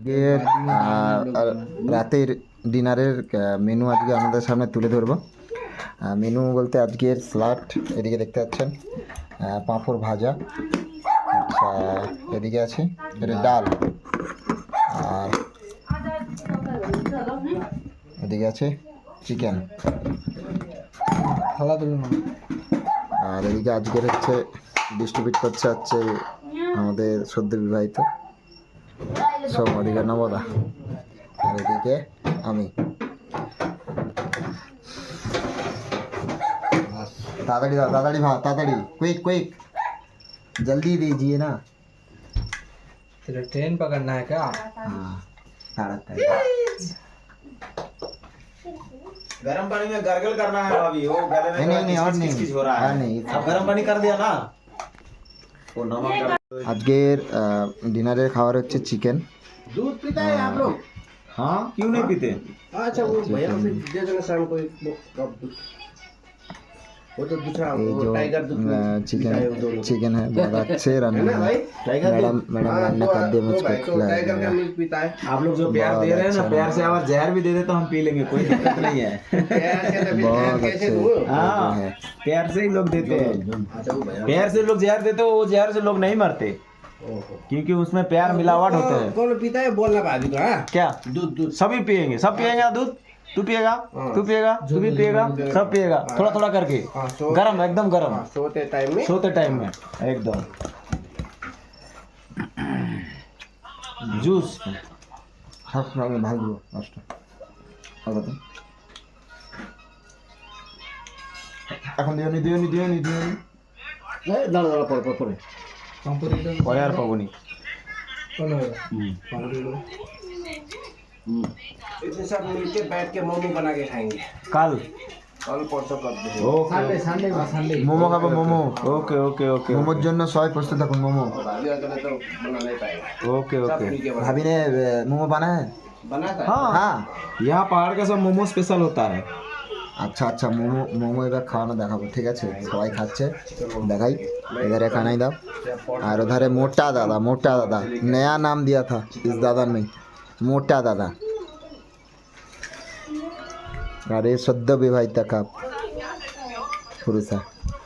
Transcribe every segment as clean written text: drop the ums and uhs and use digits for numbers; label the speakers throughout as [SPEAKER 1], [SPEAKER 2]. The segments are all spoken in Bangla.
[SPEAKER 1] এর রাতের ডিনারের মেনু আজকে আমাদের সামনে তুলে ধরবো। মেনু বলতে আজকের স্যালাড, এদিকে দেখতে পাচ্ছেন, পাঁপড় ভাজা, আচ্ছা এদিকে আছে এটা ডাল, আর এদিকে আছে চিকেন, আর এদিকে আজকের হচ্ছে ডিস্ট্রিবিউট করছে হচ্ছে আমাদের সদ্য বিবাহিত সব অধিকার নবদা, আর এদিকে আমি। तातड़ी तातड़ी भाग तातड़ी क्विक क्विक जल्दी दीजिए ना।
[SPEAKER 2] तेरा ट्रेन पकड़ना है क्या?
[SPEAKER 1] हाँ ताड़ा
[SPEAKER 3] गर्म पानी में gargle करना है भाभी, वो गले में
[SPEAKER 1] नहीं और नहीं
[SPEAKER 3] किस हो रहा है
[SPEAKER 1] नहीं।
[SPEAKER 3] अब गर्म पानी कर दिया ना, वो नमक डाल।
[SPEAKER 1] আজকের ডিনারের খাবার হচ্ছে চিকেন।
[SPEAKER 2] दूध पीता है आप लोग?
[SPEAKER 3] हाँ क्यों नहीं पीते?
[SPEAKER 2] अच्छा वो भैया से दे देना शाम को एक कप दूध। वो तो दूसरा
[SPEAKER 1] ये
[SPEAKER 2] वो
[SPEAKER 1] जो
[SPEAKER 2] टाइगर दूध
[SPEAKER 1] चिकन
[SPEAKER 2] पीता है वो दोनों।
[SPEAKER 1] चिकन है बहुत अच्छे
[SPEAKER 2] है
[SPEAKER 1] रन्ना
[SPEAKER 2] ना
[SPEAKER 1] है।
[SPEAKER 2] भाई?
[SPEAKER 3] टाइगर
[SPEAKER 1] मैडम मैडम
[SPEAKER 2] हाँ,
[SPEAKER 1] रान्ना कर दे
[SPEAKER 2] तो
[SPEAKER 1] मुझको
[SPEAKER 2] भाई तो
[SPEAKER 1] खिलाया
[SPEAKER 2] टाइगर का
[SPEAKER 1] जाएगा।
[SPEAKER 2] मिल्क पीता है।
[SPEAKER 3] आप लोग जो प्यार दे रहे हैं ना,
[SPEAKER 1] बहुत
[SPEAKER 3] प्यार
[SPEAKER 1] अच्छा
[SPEAKER 3] से अगर जहर भी दे दे तो हम पी लेंगे, कोई दिक्कत नहीं है।
[SPEAKER 2] प्यार से तभी
[SPEAKER 1] बहुत
[SPEAKER 2] प्यार कैसे
[SPEAKER 1] अच्छे
[SPEAKER 2] दूँ?
[SPEAKER 3] हाँ
[SPEAKER 1] है।
[SPEAKER 3] प्यार से ही लोग देते हैं,
[SPEAKER 2] अच्छा वो भैया
[SPEAKER 3] प्यार से लोग जहर देते हैं, वो जहर से लोग नहीं मरते
[SPEAKER 2] ओहो।
[SPEAKER 3] क्योंकि उसमें प्यार मिलावट होते हैं।
[SPEAKER 2] कौन पीता है बोलना भाभी को? हाँ
[SPEAKER 3] क्या
[SPEAKER 2] दूध दूध
[SPEAKER 3] सभी पिएंगे, सब पिएगा दूध, तू पिएगा, तू पिएगा, तू भी पिएगा, सब पिएगा थोड़ा थोड़ा करके,
[SPEAKER 2] हाँ,
[SPEAKER 3] गरम एकदम गरम,
[SPEAKER 2] हाँ, सोते टाइम में
[SPEAKER 3] सोते टाइम में एकदम जूस।
[SPEAKER 1] সব সঙ্গে ভালো নষ্ট ভালো তো এখন দিওনি দিওনি দিওনি দিওনি
[SPEAKER 2] দাঁড়া দাঁড়া পরে পরে
[SPEAKER 3] পরে আর পাবনি।
[SPEAKER 2] इतने सब मिलके बैठ के मोमो बना के खाएंगे
[SPEAKER 3] कल
[SPEAKER 2] कल परसों कर देंगे
[SPEAKER 3] ओके
[SPEAKER 1] মোমো খাবো মোমো।
[SPEAKER 3] ओके ओके ओके
[SPEAKER 1] মোমোর জন্য সবাই প্রস্তুত থাকুন। মোমো
[SPEAKER 2] भाभी अकेले तो बना नहीं पाएगा
[SPEAKER 3] ओके
[SPEAKER 2] सब
[SPEAKER 3] ओके
[SPEAKER 2] मिलके बना
[SPEAKER 1] भाभी ने मोमो बना है।
[SPEAKER 2] बनाता है
[SPEAKER 3] हाँ
[SPEAKER 1] हाँ
[SPEAKER 3] यहाँ पहाड़ का सब मोमो स्पेशल होता है।
[SPEAKER 1] আচ্ছা আচ্ছা মোমো মোমো এবার খাওয়ানো দেখাবো, ঠিক আছে সবাই খাচ্ছে দেখাই। इधर खाना दाओ। और उधर है मोटा दादा, नया नाम दिया था इस दादा ने, मोटा दादा। अरे सद्য বিবাহিত কাপ পুরুষা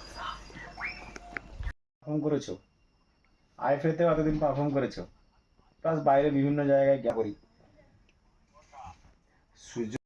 [SPEAKER 3] পারফর্ম করেছো, আইএফএতে কতদিন পারফর্ম করেছো, প্লাস বাইরে বিভিন্ন জায়গায় গিয়ে করি।